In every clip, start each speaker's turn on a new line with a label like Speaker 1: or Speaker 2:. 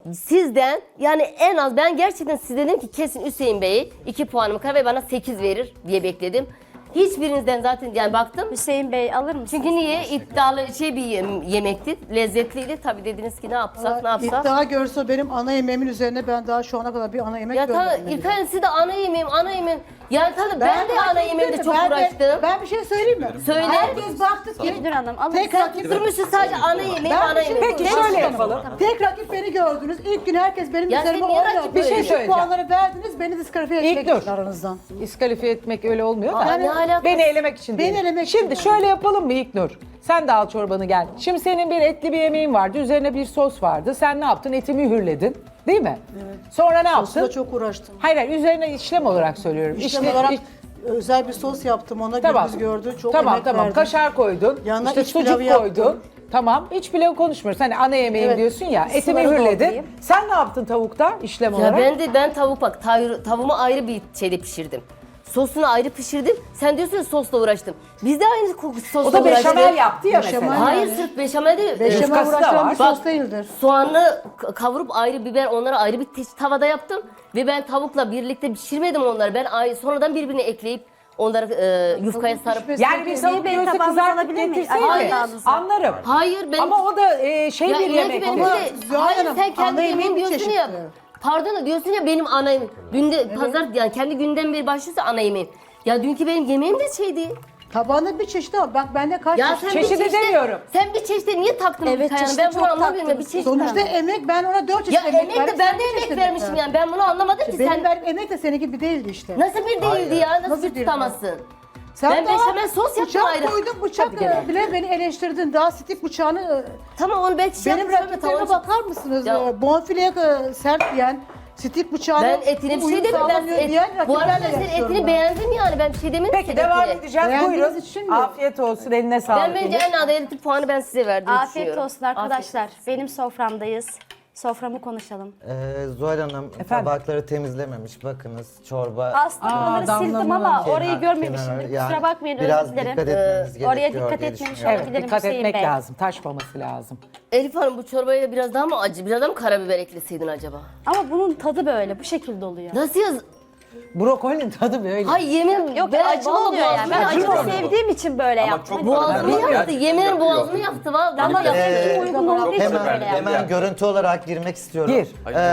Speaker 1: sizden yani en az ben gerçekten size dedim ki kesin Hüseyin Bey 2 puanımı kırar ve bana 8 verir diye bekledim. Hiçbirinizden zaten yani baktım.
Speaker 2: Hüseyin Bey alır mısınız?
Speaker 1: Çünkü niye? İddialı bir yemekti. Lezzetliydi. Tabii dediniz ki ne yapsak ne yapsak.
Speaker 3: İddia görse benim ana yemeğimin üzerine ben daha şu ana kadar bir ana yemek
Speaker 1: Ya tabii
Speaker 3: görmedim.
Speaker 1: İlkay siz de ana yemeğim. Yani tabii ben de ana yemeğimde çok uğraştım.
Speaker 3: Ben bir şey söyleyeyim mi?
Speaker 1: Söyle.
Speaker 3: Herkes baktı ki
Speaker 2: İlknur Hanım alır
Speaker 3: tek
Speaker 2: mısınız?
Speaker 3: rakip
Speaker 1: Durmuşsun sadece ana yemeğim,
Speaker 3: Ben
Speaker 1: ana
Speaker 3: bir şey-
Speaker 1: yemeğim.
Speaker 4: Peki
Speaker 1: Demiş
Speaker 4: şöyle
Speaker 1: ki-
Speaker 4: yapalım.
Speaker 3: tek rakip beni gördünüz. İlk gün herkes benim
Speaker 1: Ya
Speaker 3: üzerime
Speaker 1: sen niye
Speaker 3: oynadı.
Speaker 1: rakip
Speaker 4: Bir şey
Speaker 3: Düşük
Speaker 4: söyleyeceğim.
Speaker 3: puanları verdiniz. Beni diskalifiye
Speaker 4: İlk
Speaker 3: etmek
Speaker 4: dur.
Speaker 3: aranızdan.
Speaker 4: İskalifiye etmek öyle olmuyor da.
Speaker 1: Aa, ne alakası?
Speaker 4: Beni elemek için
Speaker 3: Beni
Speaker 4: değil.
Speaker 3: elemek için
Speaker 4: Şimdi
Speaker 3: yani.
Speaker 4: şöyle yapalım mı İlknur? Sen de al çorbanı gel. Şimdi senin bir etli bir yemeğin vardı. Üzerine bir sos vardı. Sen ne yaptın? Eti mühürledin. Değil mi? Evet. Sonra ne
Speaker 3: Sosla
Speaker 4: yaptın?
Speaker 3: çok uğraştım.
Speaker 4: Hayır hayır üzerine işlem olarak söylüyorum.
Speaker 3: İşlem
Speaker 4: İşte-
Speaker 3: olarak
Speaker 4: iş-
Speaker 3: özel bir sos yaptım. Ona
Speaker 4: Tamam.
Speaker 3: gündüz gördü. Çok
Speaker 4: tamam
Speaker 3: emek
Speaker 4: tamam.
Speaker 3: verdim.
Speaker 4: Kaşar koydun.
Speaker 3: Yanına
Speaker 4: işte
Speaker 3: iç
Speaker 4: sucuk
Speaker 3: pilavı
Speaker 4: koydun.
Speaker 3: yaptım.
Speaker 4: Tamam. İç pilavı konuşmuyoruz. Hani ana yemeğim
Speaker 3: Evet.
Speaker 4: diyorsun ya. Eti
Speaker 3: Suları
Speaker 4: mühürledin.
Speaker 3: doldurayım.
Speaker 4: Sen ne yaptın tavukta işlem
Speaker 1: Ya
Speaker 4: olarak?
Speaker 1: ben tavuk bak tavuğumu ayrı bir şeyde pişirdim. Sosunu ayrı pişirdim. Sen diyorsun ya sosla uğraştım. Biz de aynı sosla
Speaker 4: O da
Speaker 1: uğraştık.
Speaker 4: beşamel yaptı ya
Speaker 3: Beşamel.
Speaker 4: mesela.
Speaker 1: Hayır
Speaker 3: Yani.
Speaker 1: sırf beşamel değil.
Speaker 3: Beşamel
Speaker 4: Yufkası da
Speaker 3: uğraştıran
Speaker 4: var.
Speaker 3: bir sos değildir.
Speaker 1: Soğanı kavurup ayrı biber onları ayrı bir tavada yaptım. Ve ben tavukla birlikte pişirmedim onları. Ben sonradan birbirine ekleyip onları yufkaya sarıp...
Speaker 3: pişmesi-
Speaker 4: Yani bir tavuk
Speaker 2: Bey,
Speaker 4: göğsü
Speaker 2: tabağınızı
Speaker 4: kızartıp
Speaker 2: alabilir miyim?
Speaker 4: getirseydi
Speaker 1: Hayır.
Speaker 4: anlarım.
Speaker 1: Hayır ben...
Speaker 4: Ama o da şey
Speaker 1: Ya
Speaker 4: bir
Speaker 1: inan ki
Speaker 4: yemek.
Speaker 1: benim
Speaker 4: Ama
Speaker 1: de-
Speaker 3: Zuhal
Speaker 1: Hayır
Speaker 3: Hanım,
Speaker 1: sen kendi
Speaker 3: ana
Speaker 1: yemeğin
Speaker 3: yemeğin
Speaker 1: diyorsun ya.
Speaker 3: çeşitli.
Speaker 1: Pardon da diyorsun ya benim ana yemeğim. Dün pazar yani kendi günden beri başlıyorsa ana yemeğim. Ya dünkü benim yemeğim de şeydi.
Speaker 3: Tabağında bir çeşit var. Bak bende kaç
Speaker 1: Ya
Speaker 3: çeşit.
Speaker 1: sen
Speaker 4: Çeşidi
Speaker 1: bir çeşide,
Speaker 4: demiyorum.
Speaker 1: Sen bir çeşide niye taktın
Speaker 2: Evet,
Speaker 1: bu kayağını?
Speaker 2: çeşide
Speaker 1: Ben bunu
Speaker 2: çok
Speaker 1: anlamıyorum ya bir
Speaker 2: taktınız.
Speaker 1: çeşit.
Speaker 3: Sonuçta emek ben ona 4 çeşit
Speaker 1: Ya
Speaker 3: emek
Speaker 1: emek
Speaker 3: verdim,
Speaker 1: de ben
Speaker 3: sen
Speaker 1: de
Speaker 3: bir
Speaker 1: emek
Speaker 3: çeşit
Speaker 1: vermişim
Speaker 3: verdin.
Speaker 1: yani. Ben bunu anlamadım ki
Speaker 3: Benim
Speaker 1: sen
Speaker 3: verdiğim emek de seninki gibi değildi işte.
Speaker 1: nasıl bir değildi ya? Nasıl
Speaker 3: Nasıl
Speaker 1: bir
Speaker 3: bir-
Speaker 1: tutamazsın?
Speaker 3: Sen
Speaker 1: Ben
Speaker 3: daha
Speaker 1: beşamel sos yaptım
Speaker 3: bıçak
Speaker 1: ayrı.
Speaker 3: koydun, bıçak
Speaker 4: Hadi gel.
Speaker 3: bile beni eleştirdin. Daha stik bıçağını...
Speaker 1: Tamam onu belki şey
Speaker 3: benim
Speaker 1: yapmışım,
Speaker 3: rakiplerime
Speaker 1: tamam.
Speaker 3: bakar mısınız?
Speaker 1: Ya-
Speaker 3: Bonfileye sert diyen, stik bıçağını
Speaker 1: Ben etine bir şey
Speaker 3: uyum
Speaker 1: dedim.
Speaker 3: sağlamıyor diyen
Speaker 1: Bu arada
Speaker 3: rakiplerle
Speaker 1: sen
Speaker 3: yarışıyorum
Speaker 1: etini
Speaker 3: ben.
Speaker 1: beğendim yani. Ben bir şey demedim
Speaker 4: Peki
Speaker 1: ki
Speaker 4: devam
Speaker 1: etine.
Speaker 4: edeceğiz.
Speaker 3: Beğendiğiniz
Speaker 4: Buyurun.
Speaker 3: için mi?
Speaker 4: Afiyet olsun. Eline sağlık.
Speaker 1: Ben bence en adaletli puanı ben size verdim.
Speaker 2: Afiyet olsun arkadaşlar. Benim soframdayız. Soframı konuşalım.
Speaker 5: Zuhal Hanım
Speaker 4: Efendim?
Speaker 5: tabakları temizlememiş. Bakınız çorba.
Speaker 2: Aslında onları sildim ama orayı görmemişim. Kusura bakmayın
Speaker 5: Biraz
Speaker 2: özür dilerim.
Speaker 5: dikkat etmeniz gerekiyor
Speaker 2: Oraya dikkat
Speaker 5: diye
Speaker 2: etmemiş
Speaker 5: düşünüyorum.
Speaker 2: olabilirim.
Speaker 4: Evet, dikkat
Speaker 2: Hüseyin
Speaker 4: etmek
Speaker 2: Bey.
Speaker 4: lazım. Taşmaması lazım.
Speaker 1: Elif Hanım bu çorbaya biraz daha mı acı, biraz daha mı karabiber ekleseydin acaba?
Speaker 2: Ama bunun tadı böyle bu şekilde oluyor.
Speaker 1: Nasıl yaz?
Speaker 4: Brokolinin tadı böyle.
Speaker 1: Hay yemin
Speaker 2: Yok
Speaker 1: ben
Speaker 2: acılı
Speaker 1: vallahi
Speaker 2: oluyor yani. Ben
Speaker 1: boğazımı
Speaker 2: acılı
Speaker 1: yaktı.
Speaker 2: sevdiğim için böyle yaptım.
Speaker 6: çok
Speaker 1: Boğazımı
Speaker 6: Ben
Speaker 1: yaktı. Yemin boğazımı yaktı vallahi.
Speaker 2: Ama
Speaker 1: yaktı.
Speaker 2: benim uygun olduğu için böyle
Speaker 5: Hemen,
Speaker 2: yaptım.
Speaker 5: hemen görüntü olarak girmek istiyorum.
Speaker 4: Gir.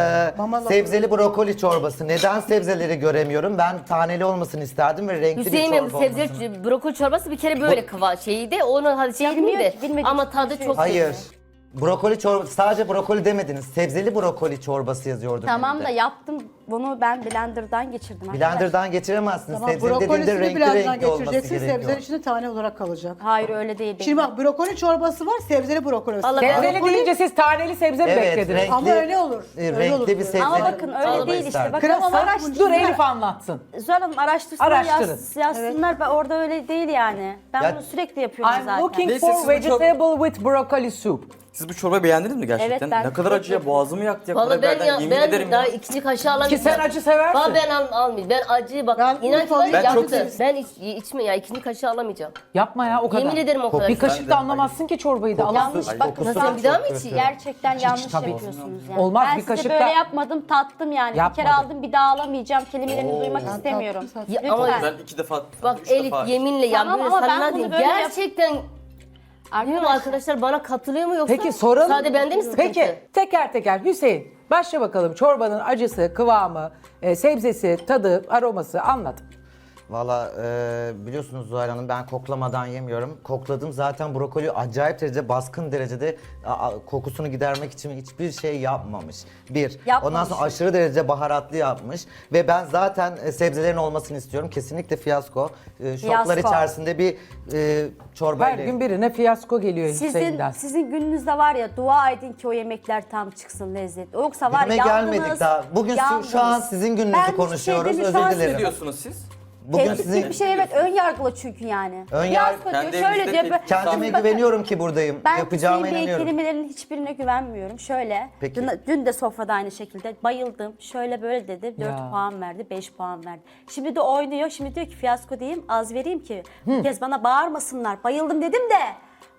Speaker 5: Sebzeli brokoli çorbası. Neden sebzeleri göremiyorum? Ben taneli olmasını isterdim ve renkli
Speaker 1: Hüseyin
Speaker 5: bir
Speaker 1: Bey
Speaker 5: çorba olmasını.
Speaker 1: sebze brokoli çorbası bir kere böyle kıva şeydi. Onu hadi şey yapmayayım
Speaker 2: Bilmiyor
Speaker 1: de.
Speaker 2: ki, bilmediğim
Speaker 1: Ama
Speaker 2: için
Speaker 1: tadı
Speaker 2: konuşuyoruz.
Speaker 1: çok
Speaker 5: Hayır.
Speaker 1: kötü.
Speaker 5: Brokoli çorbası, sadece brokoli demediniz. Sebzeli brokoli çorbası yazıyordu.
Speaker 2: Tamam da
Speaker 5: önünde.
Speaker 2: yaptım. Bunu ben blenderdan geçirdim.
Speaker 5: Blender'dan geçiremezsiniz.
Speaker 3: Tamam,
Speaker 5: Sebzeli dediğinde
Speaker 3: brokolisini
Speaker 5: renkli
Speaker 3: birazdan
Speaker 5: renkli olması
Speaker 3: geçireceksin.
Speaker 5: gerekiyor.
Speaker 3: Sebzenin içinde tane olarak kalacak.
Speaker 2: Hayır öyle değil.
Speaker 3: Şimdi bak brokoli çorbası var, sebzeli brokoli.
Speaker 1: Vallahi ben-
Speaker 4: Sebzeli deyince siz taneli sebze mi
Speaker 5: Evet,
Speaker 4: beklediniz?
Speaker 5: renkli,
Speaker 3: Ama öyle olur. Öyle
Speaker 5: renkli
Speaker 3: olur
Speaker 5: bir
Speaker 3: diyor.
Speaker 5: sebzeli
Speaker 2: Ama bakın öyle
Speaker 5: çorba
Speaker 2: değil işte.
Speaker 5: isterdim.
Speaker 2: Bakın
Speaker 3: Krema var,
Speaker 2: araştırsınlar.
Speaker 4: Dur Elif anlatsın.
Speaker 2: Zuhal Hanım araştırsınlar,
Speaker 4: Araştırın.
Speaker 2: yazsınlar. Ben orada öyle değil yani. Ben
Speaker 5: Ya-
Speaker 2: bunu sürekli yapıyorum
Speaker 4: I'm
Speaker 2: zaten.
Speaker 4: looking
Speaker 6: Neyse,
Speaker 4: for
Speaker 6: siz bu çok-
Speaker 4: vegetable with broccoli soup.
Speaker 6: Siz bu çorbayı beğendiniz mi gerçekten?
Speaker 2: Evet, ben
Speaker 6: ne kadar
Speaker 2: çok
Speaker 6: acı ya,
Speaker 2: beğendim.
Speaker 6: boğazımı yaktı ya.
Speaker 1: Vallahi ben
Speaker 6: karabiberden,
Speaker 1: ya
Speaker 6: yemin
Speaker 1: ben
Speaker 6: ederim
Speaker 1: daha
Speaker 6: ya.
Speaker 1: ikinci kaşığı alamayacağım.
Speaker 4: Ki sen acı seversin.
Speaker 1: Vallahi ben almayayım. Ben acıyı bak
Speaker 3: Ben
Speaker 1: inan ki var ya
Speaker 3: Ben
Speaker 6: çok
Speaker 1: yaktı.
Speaker 6: sev-
Speaker 1: Ben içme ya ikinci kaşığı alamayacağım.
Speaker 4: Yapma ya o kadar.
Speaker 1: Yemin ederim o kadar.
Speaker 4: Bir kaşık da anlamazsı ki çorbayı da. Allah
Speaker 2: Yanlış
Speaker 5: Ay,
Speaker 2: bak
Speaker 5: kokusu
Speaker 1: Nasıl
Speaker 5: çok
Speaker 1: bir daha mı
Speaker 5: kötü.
Speaker 1: içeyim?
Speaker 2: gerçekten yanlış
Speaker 4: tabii.
Speaker 2: yapıyorsunuz yani.
Speaker 4: Olmaz,
Speaker 2: ben
Speaker 4: bir
Speaker 2: size
Speaker 4: kaşık
Speaker 2: böyle
Speaker 4: da-
Speaker 2: yapmadım tattım yani. Bir kere
Speaker 4: Yapmadım.
Speaker 2: aldım bir daha alamayacağım kelimelerini duymak istemiyorum.
Speaker 3: tattım
Speaker 1: Ya
Speaker 2: Lütfen.
Speaker 1: ama
Speaker 6: Ben 2 defa,
Speaker 1: bak
Speaker 6: 3
Speaker 1: Elif
Speaker 6: defa.
Speaker 1: yeminle ya
Speaker 2: Tamam
Speaker 1: böyle
Speaker 2: ama ben
Speaker 1: sana
Speaker 2: bunu
Speaker 1: diyeyim.
Speaker 2: böyle yap-
Speaker 1: Gerçekten bilmiyorum arkadaşlar bana katılıyor mu yoksa
Speaker 4: Peki soralım.
Speaker 1: sadece bende mi sıkıntı?
Speaker 4: Peki teker teker Hüseyin başla bakalım çorbanın acısı, kıvamı, sebzesi, tadı, aroması anlat.
Speaker 5: Valla biliyorsunuz Zuhal Hanım ben koklamadan yemiyorum. Kokladım zaten brokoli acayip derecede baskın derecede kokusunu gidermek için hiçbir şey yapmamış. Bir.
Speaker 2: Yapmamış.
Speaker 5: Ondan sonra aşırı derece baharatlı yapmış. Ve ben zaten sebzelerin olmasını istiyorum. Kesinlikle fiyasko. Şoklar
Speaker 2: Fiyasko.
Speaker 5: içerisinde bir çorba
Speaker 4: Her gün birine fiyasko geliyor Hüseyin'den.
Speaker 2: Sizin gününüzde var ya dua edin ki o yemekler tam çıksın lezzetli. Yoksa var
Speaker 5: Günüme
Speaker 2: yandınız.
Speaker 5: gelmedik daha. Bugün şu an sizin gününüzü
Speaker 2: Ben hiçbir şey
Speaker 5: konuşuyoruz.
Speaker 2: demiyorum.
Speaker 5: Özür
Speaker 2: Şu an
Speaker 5: dilerim.
Speaker 6: Ne diyorsunuz siz?
Speaker 5: Bugün
Speaker 2: Tehdit
Speaker 5: sizin
Speaker 2: gibi bir şey evet ön yargılı çünkü yani.
Speaker 5: Ön
Speaker 2: Fiyasko
Speaker 5: yargı-
Speaker 2: diyor,
Speaker 6: Kendi
Speaker 2: şöyle
Speaker 6: evinizde
Speaker 2: diyor.
Speaker 5: kendime
Speaker 2: Bakın,
Speaker 5: güveniyorum ki buradayım.
Speaker 2: ben
Speaker 5: Yapacağıma
Speaker 2: Hüseyin Bey
Speaker 5: inanıyorum.
Speaker 2: kelimelerinin hiçbirine güvenmiyorum. Şöyle,
Speaker 5: Peki.
Speaker 2: dün de sofrada aynı şekilde bayıldım. Şöyle böyle dedi, 4
Speaker 4: Ya.
Speaker 2: puan verdi, 5 puan verdi. Şimdi de oynuyor, şimdi diyor ki fiyasko diyeyim, az vereyim ki bu kez bana bağırmasınlar. Bayıldım dedim de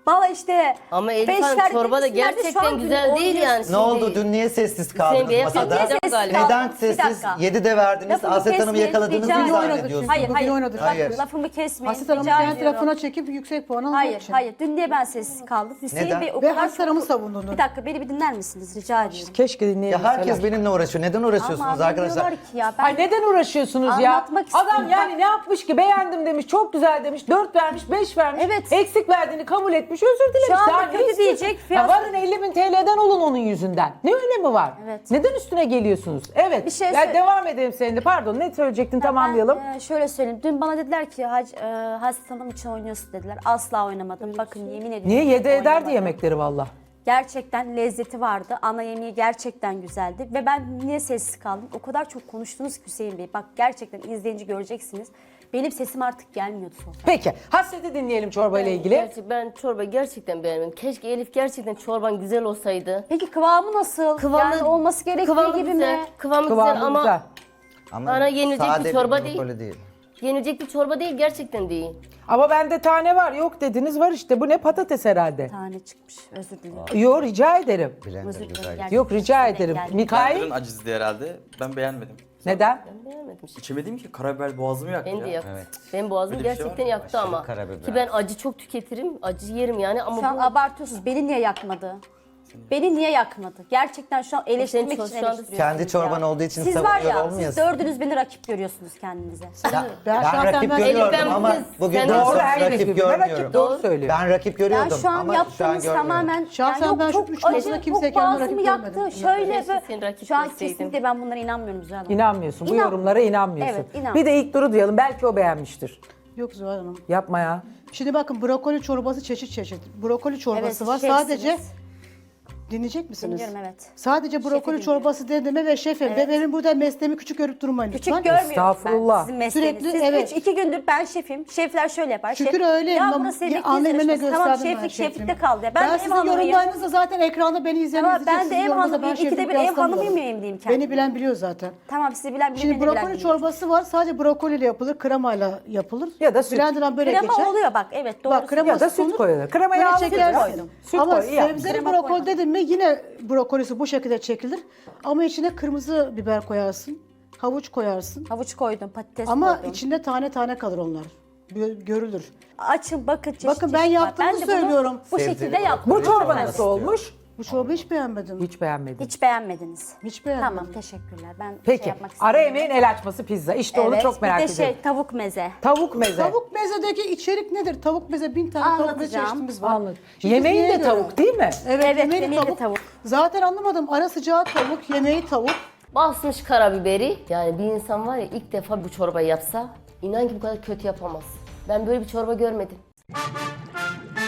Speaker 2: Bana işte
Speaker 1: Ama Elif
Speaker 2: beş
Speaker 1: Hanım
Speaker 2: verdi
Speaker 1: çorba da
Speaker 2: demişlerdi, şu
Speaker 1: gerçekten
Speaker 2: an
Speaker 1: güzel değil
Speaker 2: oynuyorsun.
Speaker 1: yani.
Speaker 5: Ne
Speaker 1: Şimdi
Speaker 5: oldu? Dün niye sessiz kaldınız
Speaker 1: Bey'e
Speaker 5: masada?
Speaker 1: patlayacak
Speaker 2: Sessiz
Speaker 1: galiba.
Speaker 5: Neden
Speaker 2: Bir
Speaker 5: sessiz?
Speaker 2: dakika.
Speaker 5: 7'de verdiniz.
Speaker 2: Lafımı
Speaker 5: Aset Hanım'ı
Speaker 2: kesmeyin,
Speaker 5: yakaladığınızı
Speaker 2: rica
Speaker 5: mı
Speaker 2: ediyorum.
Speaker 5: zannediyorsunuz?
Speaker 2: Hayır, hayır.
Speaker 3: Bugün oynadık.
Speaker 5: Hayır.
Speaker 2: Lafımı kesmeyin.
Speaker 3: Haset Hanım
Speaker 2: rica
Speaker 3: kendi
Speaker 2: ediyorum.
Speaker 3: tarafına çekip yüksek puan almak
Speaker 2: Hayır,
Speaker 3: için.
Speaker 2: hayır. Dün niye ben sessiz kaldım? Hüseyin
Speaker 5: Neden?
Speaker 2: Bey o
Speaker 3: Ve
Speaker 2: kadar
Speaker 3: Haset Hanım'ı savundunuz.
Speaker 2: Bir dakika beni bir dinler misiniz? Rica ediyorum.
Speaker 4: Keşke
Speaker 5: Ya
Speaker 4: dinleyebilseler.
Speaker 5: herkes benimle uğraşıyor. Neden uğraşıyorsunuz
Speaker 2: Ama
Speaker 5: arkadaşlar?
Speaker 2: diyorlar ki ya ben
Speaker 4: Ay neden uğraşıyorsunuz ya?
Speaker 2: Anlatmak
Speaker 4: Adam
Speaker 2: istiyorum.
Speaker 4: yani ne yapmış ki? Beğendim demiş, çok güzel demiş, 4 vermiş, 5 vermiş.
Speaker 2: Evet.
Speaker 4: Eksik verdiğini kabul etmiş, özür dilemiş.
Speaker 2: Şu anda
Speaker 4: Daha ne
Speaker 2: kötü
Speaker 4: istiyorsun?
Speaker 2: diyecek,
Speaker 4: Ya
Speaker 2: fiyat-
Speaker 4: varın 50.000 TL'den olun onun yüzünden. Ne önemi var?
Speaker 2: Evet.
Speaker 4: Neden üstüne geliyorsunuz? Evet.
Speaker 2: Bir şey
Speaker 4: Ya
Speaker 2: söyle-
Speaker 4: devam edelim seninle. Pardon ne söyleyecektin tamamlayalım.
Speaker 2: Ben, şöyle söyleyeyim. Dün bana dediler ki Haset Hanım için oynuyorsun dediler. Asla oynamadım. Bakın yemin ediyorum.
Speaker 4: Niye? Yedi ederdi
Speaker 2: oynamadım.
Speaker 4: yemekleri valla.
Speaker 2: Gerçekten lezzeti vardı. Ana yemeği gerçekten güzeldi. Ve ben niye sessiz kaldım? O kadar çok konuştunuz ki Hüseyin Bey. Bak gerçekten izleyince göreceksiniz. Benim sesim artık gelmiyordu sofrada.
Speaker 4: Peki. Hasret'i dinleyelim çorba ile ilgili.
Speaker 1: Ben çorbayı gerçekten beğenmedim. Keşke Elif gerçekten çorban güzel olsaydı.
Speaker 2: Peki kıvamı nasıl?
Speaker 1: Kıvamı-
Speaker 2: yani olması gerektiği
Speaker 1: Kıvamı
Speaker 2: gibi
Speaker 1: güzel,
Speaker 2: mi?
Speaker 1: Kıvamı
Speaker 4: Kıvamı
Speaker 1: güzel ama
Speaker 4: güzel.
Speaker 5: Ama
Speaker 1: Bana yenilecek bir
Speaker 5: sade
Speaker 1: çorba
Speaker 5: brokoli değil.
Speaker 1: yenilecek bir çorba değil, gerçekten değil.
Speaker 4: Ama bende tane var. Yok dediniz var işte. Bu ne patates herhalde.
Speaker 2: Tane çıkmış. Özür dilerim.
Speaker 4: Yok rica ederim.
Speaker 5: Blender
Speaker 2: Özür dilerim.
Speaker 5: güzel.
Speaker 2: Gerçekten
Speaker 4: Yok rica
Speaker 2: denk
Speaker 4: ederim.
Speaker 2: geldi.
Speaker 4: Mikail
Speaker 6: Blender'ın acizdi herhalde. Ben beğenmedim.
Speaker 4: neden?
Speaker 1: Ben beğenmedim.
Speaker 6: İçemedim ki karabiber boğazımı yaktı
Speaker 1: Beni de
Speaker 6: ya.
Speaker 1: yaktı.
Speaker 5: Evet.
Speaker 1: Benim boğazım
Speaker 6: Böyle bir şey
Speaker 1: gerçekten
Speaker 6: var mı?
Speaker 1: yaktı
Speaker 5: Aşırı
Speaker 1: ama.
Speaker 5: karabiber.
Speaker 1: Ki ben acı çok tüketirim, acı yerim yani ama
Speaker 2: Şu an
Speaker 1: bu...
Speaker 2: abartıyorsunuz. Beni niye yakmadı? Beni niye yakmadı? Gerçekten şu an eleştirmek için
Speaker 1: şu anda
Speaker 2: eleştiriyorsunuz
Speaker 5: Kendi çorban
Speaker 2: ya.
Speaker 5: olduğu için
Speaker 2: Siz var
Speaker 5: savunuyor
Speaker 2: ya,
Speaker 5: olmayasın.
Speaker 2: siz dördünüz beni rakip görüyorsunuz kendinize.
Speaker 5: Ben
Speaker 3: şahsen
Speaker 5: rakip
Speaker 3: ben-
Speaker 5: görüyorum
Speaker 1: Elif, ben
Speaker 5: ama
Speaker 1: bugün
Speaker 5: bugün
Speaker 1: senden
Speaker 5: çok
Speaker 1: sonra
Speaker 4: herkes
Speaker 5: rakip
Speaker 4: birbirine rakip,
Speaker 5: görmüyorum.
Speaker 4: doğru söylüyor.
Speaker 5: Ben rakip görüyordum
Speaker 2: Ben şu an
Speaker 5: ama şu an
Speaker 2: yaptığınız
Speaker 5: görmüyorum.
Speaker 2: tamamen
Speaker 3: Şahsen ben şu
Speaker 2: çok
Speaker 3: üç
Speaker 2: acı,
Speaker 3: masada
Speaker 2: çok
Speaker 3: kimseye kendime
Speaker 2: boğazımı
Speaker 3: rakip
Speaker 2: yaktı.
Speaker 3: görmedim.
Speaker 2: Şöyle
Speaker 1: Keşke seni rakip
Speaker 2: şu an
Speaker 1: görseydim.
Speaker 2: kesinlikle ben bunlara inanmıyorum Zuhal Hanım.
Speaker 4: İnanmıyorsun. Bu
Speaker 2: İnan-
Speaker 4: yorumlara inanmıyorsun.
Speaker 2: Evet, inan.
Speaker 4: Bir de ilk duru duyalım. Belki o beğenmiştir.
Speaker 3: Yok Zuhal Hanım.
Speaker 4: Yapma ya.
Speaker 3: Şimdi bakın brokoli çorbası çeşit çeşit. Brokoli çorbası
Speaker 2: Evet,
Speaker 3: var.
Speaker 2: şefsiniz.
Speaker 3: Sadece dinleyecek misiniz?
Speaker 2: Dinliyorum, evet.
Speaker 3: Sadece brokoli
Speaker 2: dinliyorum.
Speaker 3: çorbası dediğime ve şefim. Ve benim burada mesleğimi küçük görüp durmayın
Speaker 2: Küçük
Speaker 3: lütfen.
Speaker 2: görmüyorum
Speaker 4: Estağfurullah.
Speaker 2: ben sizin mesleğinizi.
Speaker 3: Sürekli,
Speaker 2: Siz
Speaker 3: evet.
Speaker 2: 2 gündür ben şefim. Şefler şöyle yapar.
Speaker 3: Şükür
Speaker 2: Şef,
Speaker 3: öyleyim.
Speaker 2: Ya
Speaker 3: Ama
Speaker 2: burası yemekli
Speaker 3: anneme
Speaker 2: yarışması. Tamam
Speaker 3: gösterdim ben
Speaker 2: şeflik
Speaker 3: şefliğimi.
Speaker 2: şeflikte kaldı. Ya. Ben, de ev
Speaker 3: sizin
Speaker 2: hanımıyım.
Speaker 3: yorumlarınızda zaten ekranda beni izleyen
Speaker 2: Ama
Speaker 3: izleyecek.
Speaker 2: ben de
Speaker 3: Sizin
Speaker 2: ev
Speaker 3: yorumunuzda
Speaker 2: hanımıyım.
Speaker 3: ben
Speaker 2: İkide
Speaker 3: şeflik
Speaker 2: bir ev
Speaker 3: yaslamıyorum.
Speaker 2: hanımı mıyım diyeyim kendime.
Speaker 3: Beni bilen biliyor zaten.
Speaker 2: Tamam sizi bilen bilir.
Speaker 3: Şimdi
Speaker 2: beni de bilen
Speaker 3: brokoli
Speaker 2: bilir.
Speaker 3: çorbası var. Sadece brokoliyle yapılır. Kremayla yapılır.
Speaker 4: Ya da süt.
Speaker 3: Blender'dan böyle
Speaker 2: Krema
Speaker 3: geçer.
Speaker 2: oluyor bak evet doğru.
Speaker 3: Bak kreması
Speaker 4: Ya da süt
Speaker 3: konur.
Speaker 4: koyulur. Kremayı
Speaker 3: Böyle
Speaker 4: al,
Speaker 3: çekersin.
Speaker 4: süt koy. Süt
Speaker 3: Ama
Speaker 4: koy, iyi yapmışsın.
Speaker 3: sebzeli
Speaker 2: Krema
Speaker 3: brokoli
Speaker 2: koyma.
Speaker 3: dedim mi yine brokolisi bu şekilde çekilir. Ama içine kırmızı biber koyarsın. Havuç koyarsın.
Speaker 2: Havuç koydum, patates
Speaker 3: Ama
Speaker 2: koydum.
Speaker 3: içinde tane tane kalır onlar. Görülür.
Speaker 2: Açın bakın çeşit
Speaker 3: Bakın ben
Speaker 2: çeşit var.
Speaker 3: yaptığımı
Speaker 2: de bunu
Speaker 3: söylüyorum.
Speaker 2: Bu
Speaker 5: Sebzeli
Speaker 2: şekilde yaptım.
Speaker 4: Bu çorba
Speaker 5: Ben
Speaker 4: nasıl
Speaker 5: istiyorum.
Speaker 4: olmuş?
Speaker 3: Bu çorbayı hiç beğenmedim.
Speaker 4: Hiç beğenmedim.
Speaker 2: Hiç beğenmediniz.
Speaker 3: Hiç beğenmedim.
Speaker 2: Tamam teşekkürler. Ben şey
Speaker 4: Peki.
Speaker 2: yapmak
Speaker 4: Ara
Speaker 2: istemiyorum.
Speaker 4: yemeğin el açması pizza. İşte onu
Speaker 2: Evet,
Speaker 4: çok merak
Speaker 2: bir de
Speaker 4: ediyorum.
Speaker 2: tavuk meze.
Speaker 4: Tavuk meze.
Speaker 3: Tavuk mezedeki içerik nedir? Tavuk meze 1000 tane tavuk meze
Speaker 2: Anlatacağım.
Speaker 3: çeşitimiz var.
Speaker 4: Anladım.
Speaker 3: Şimdi
Speaker 4: Yemeğin
Speaker 3: neye
Speaker 4: de
Speaker 3: göre?
Speaker 4: tavuk değil mi?
Speaker 3: Evet,
Speaker 2: Evet,
Speaker 3: yemeği
Speaker 2: yemeği de
Speaker 3: tavuk.
Speaker 2: tavuk.
Speaker 3: Zaten anlamadım. Ara sıcağı tavuk, yemeği tavuk.
Speaker 1: Basmış karabiberi. Yani bir insan var ya ilk defa bu çorbayı yapsa inan ki bu kadar kötü yapamaz. Ben böyle bir çorba görmedim.